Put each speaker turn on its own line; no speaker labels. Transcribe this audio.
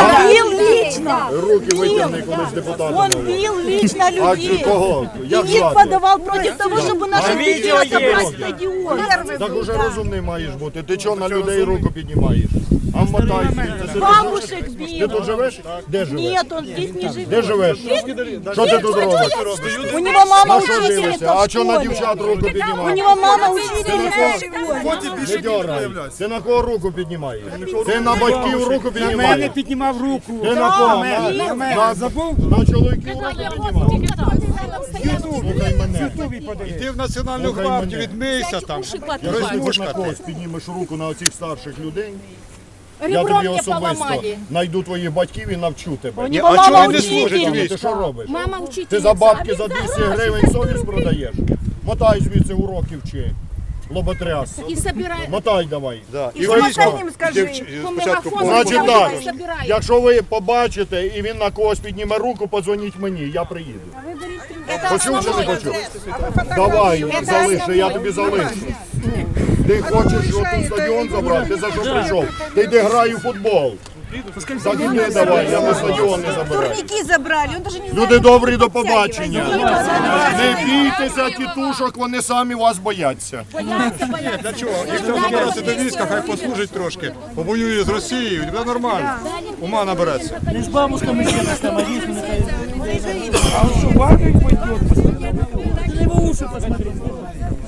бил лично.
Руки витягни, коли з депутатом.
Он бил лично
А
людей.
кого? Як
И их
звати?
подавал против того, чтобы наши детей отобрать стадион.
Так уже розумний маєш бути. Ти чого на людей руку піднімаєш? А вмотай звідси.
Бабушек
Ти
бил.
тут живеш? Де живеш?
Нет, он здесь не живет.
Де живеш? Що ти тут робиш?
У него мама
На що
учительница
дивишся? А
в
що на
школе.
дівчат руку
У
піднімаєш?
него мама учительница в школе.
Не дьорай. Ти на кого руку піднімаєш? Ти на батьків руку
На мене
піднімаєш?
піднімав руку.
Ти на кого?
На мене. Забув?
На чоловіків руку піднімаєш? Слухай мене.
Йди в Національну
Слухай
гвардію,
мене.
відмийся там.
Якщо ти хоч на когось піднімеш руку на оцих старших людей, я тобі особисто знайду твоїх батьків і навчу тебе.
У него
А чого
мама
ви не служите
учительница.
Ти що робиш?
Мама учительница.
Ти за бабки за 200 гривень совість продаєш? Мотай звідси уроки вчи. Лоботряс.
И собирает.
Мотай давай.
І
Що
військо.
їм
Спочатку
Значить так,
Собирає.
якщо ви побачите і він на когось підніме руку, подзвоніть мені, я приїду. Почув чи не почув? Давай, залиши, я тобі залишу. Ти хочеш отут стадіон забрати? Ти за що прийшов? Ти йди грай у футбол. Так іди давай, я на стадіон не забираю.
Турники забрали, он даже не знает.
Люди добрі, до побачення. Не бійтеся тітушок, вони самі вас бояться.
Для чого? Якщо забирати до війська, хай послужить трошки. Повоює з Росією, і буде нормально. Ума набереться.
Не с бабушками сидят, там, а здесь а он что, в армию пойдет? Ты на его уши посмотри.